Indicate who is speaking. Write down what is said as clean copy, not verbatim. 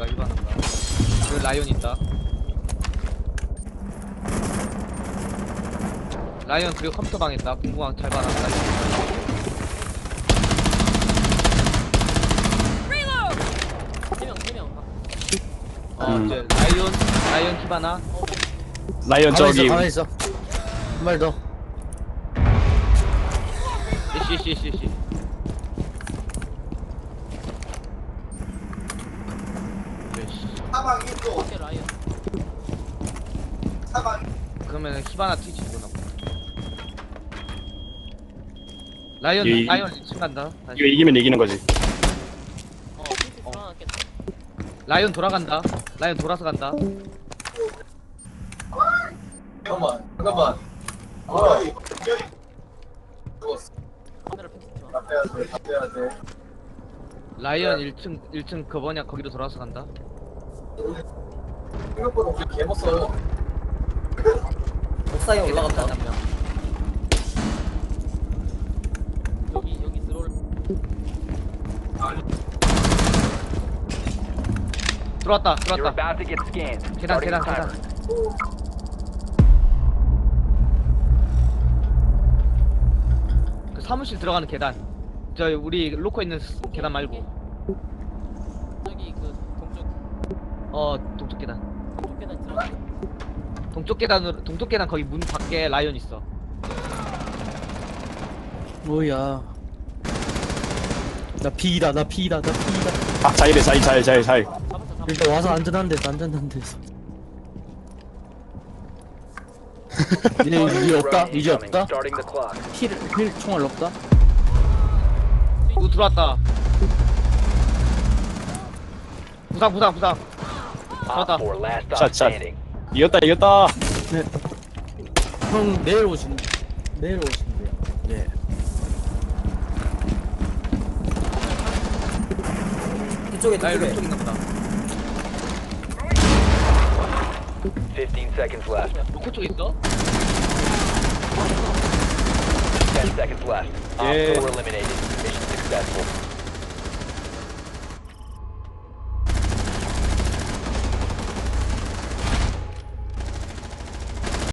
Speaker 1: 히바나인가 히바나인가. 여기 라이온 있다. 라이온 그리고 컴퓨터방 있다. 공구방 잘 봐라. 이제 라이온 히바나.
Speaker 2: 라이언 저기
Speaker 3: 가만히 있어. 한 발 더.
Speaker 1: 씨. 그러면 히바나 티치구나. 라이온 2층 간다. 다시.
Speaker 2: 이거 이기면 이기는 거지.
Speaker 1: 라이온 돌아간다. 라이온 돌아서 간다.
Speaker 4: 잠깐만. 빼야 돼.
Speaker 1: 라이온 1층 그 뭐냐 거기로 돌아서 간다.
Speaker 4: 생각보다 우리 개 먹어요.
Speaker 3: 옥상에 올라갔다.
Speaker 1: 한 명.
Speaker 5: 여기 들어올.
Speaker 1: 들어왔다.
Speaker 6: You're about to get scanned.
Speaker 1: 계단.
Speaker 6: Starting the timer.
Speaker 1: 그 사무실 들어가는 계단. 저 우리 로커 있는 계단 말고.
Speaker 5: 저기 그
Speaker 1: 동쪽 계단.
Speaker 5: 동쪽 계단 들어가.
Speaker 1: 동쪽 계단 거기 문 밖에 라이온 있어.
Speaker 3: 뭐야. 나 피이다.
Speaker 2: 아 자이래 자이.
Speaker 5: 잡았어.
Speaker 3: 일단 와서 안전한 데서. 이제 없다.
Speaker 6: Starting the clock.
Speaker 3: 필 총알 없다.
Speaker 1: 누구 들어왔다. 부상.
Speaker 6: Op
Speaker 1: 들어왔다.
Speaker 6: 4, last stop
Speaker 2: 샷.
Speaker 6: standing.
Speaker 2: 이겼다.
Speaker 3: 네. 형 내일 오신대요. 네.
Speaker 1: 라이온 이쪽 있나 보다.
Speaker 6: 15 seconds left.
Speaker 1: 로커 쪽 있어?
Speaker 6: 10 seconds left. Op
Speaker 2: Yeah.
Speaker 6: 4 eliminated. Mission successful.